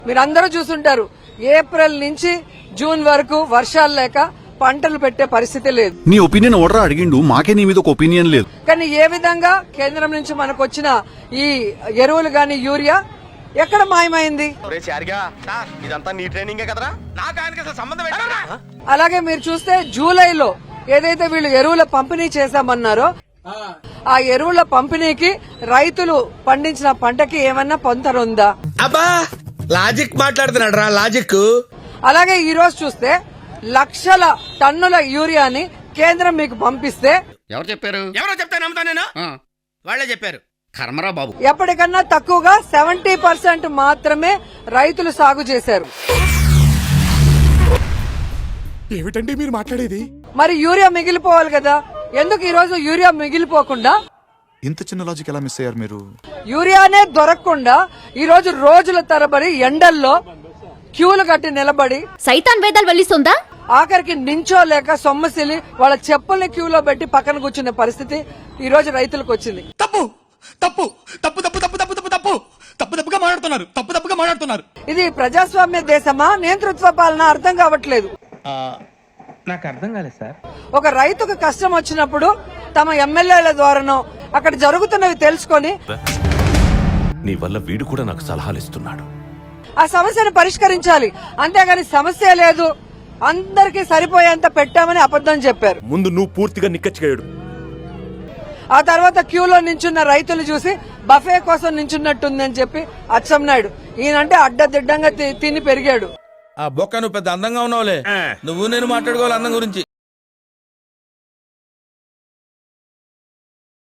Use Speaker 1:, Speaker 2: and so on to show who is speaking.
Speaker 1: మీరందరూ చూసుంటారు, ఏప్రిల్ నుంచి జూన్ వరకు వర్షాలు లేక పంటలు పెట్టే పరిస్థితి లేదు.
Speaker 2: నీ ఒపీనియన్ ఓడరా అడిగిండు, మాకే నీ మీద ఒక ఒపీనియన్ లేదు.
Speaker 1: కానీ ఏ విధంగా కేంద్రం నుంచి మనకు వచ్చిన ఈ ఎరువులు గాని యూరియా ఎక్కడ మాయమైంది? అలాగే మీరు చూస్తే జూలైలో ఏదైతే వీళ్ళు ఎరువుల పంపిణీ చేశామన్నారో ఆ ఎరువుల పంపిణీకి రైతులు పండించిన పంటకి ఏమన్నా పొంతనుందా?
Speaker 3: అబ్బా లాజిక్ మాట్లాడుతున్నాడు రా లాజిక్.
Speaker 1: అలాగే ఈ రోజు చూస్తే లక్షల టన్నుల యూరియాని కేంద్రం మీకు పంపిస్తే
Speaker 4: ఎవరు చెప్పారు?
Speaker 3: ఎవరో చెప్తే నమ్ముతా నేను. వాళ్ళే చెప్పారు.
Speaker 4: కర్మరా బాబు.
Speaker 1: ఎప్పటికన్నా తక్కువగా 70% మాత్రమే రైతులు సాగు చేశారు.
Speaker 5: ఏమిటండి మీరు మాట్లాడేది?
Speaker 1: మరి యూరియా మిగిలిపోవాలి కదా, ఎందుకు ఈ రోజు యూరియా మిగిలిపోకుండా?
Speaker 5: ఇంత చిన్న లాజిక్ ఎలా మిస్ అయ్యారు మీరు?
Speaker 1: యూరియానే దొరకకుండా ఈ రోజు రోజుల తరబడి ఎండల్లో క్యూలు కట్టి నిలబడి
Speaker 6: సైతాన్ వేదాలు వెళ్లిస్తుందా?
Speaker 1: ఆఖరికి నించోలేక సొమ్మసిలి వాళ్ళ చెప్పుల్ని క్యూలో పెట్టి పక్కన కూర్చునే పరిస్థితి ఈ రోజు రైతులకు వచ్చింది.
Speaker 5: తప్పు తప్పు తప్పు తప్పు తప్పు తప్పు తప్పు తప్పు తప్పు తప్పుగా మాట్లాడుతున్నారు, తప్పు తప్పుగా మాట్లాడుతున్నారు.
Speaker 1: ఇది ప్రజాస్వామ్య దేశమా, నేతృత్వ పాలన అర్థం కావట్లేదు.
Speaker 7: నాకు అర్థం కాలేదు సార్.
Speaker 1: ఒక రైతుకు కష్టం వచ్చినప్పుడు తమ ఎమ్మెల్యేల ద్వారానో అక్కడ జరుగుతున్నవి తెలుసుకొని
Speaker 8: నీ వల్ల వీడు కూడా నాకు సలహాలు ఇస్తున్నాడు.
Speaker 1: ఆ సమస్యను పరిష్కరించాలి. అంతేగాని సమస్య లేదు, అందరికీ సరిపోయేంత పెట్టామని అబద్ధం చెప్పారు.
Speaker 8: ముందు నువ్వు పూర్తిగా నిక్కచ్చిగాడు.
Speaker 1: ఆ తర్వాత క్యూలో నించున్న రైతులు చూసి బఫే కోసం నించున్నట్టుందని చెప్పి అచ్చెన్నాయుడు ఈయనంటే అడ్డదిడ్డంగా తిని పెరిగాడు.
Speaker 3: ఆ బొక్క నువ్వు పెద్ద అందంగా ఉన్నావులే, నువ్వు నేను మాట్లాడుకోవాలి అందం గురించి.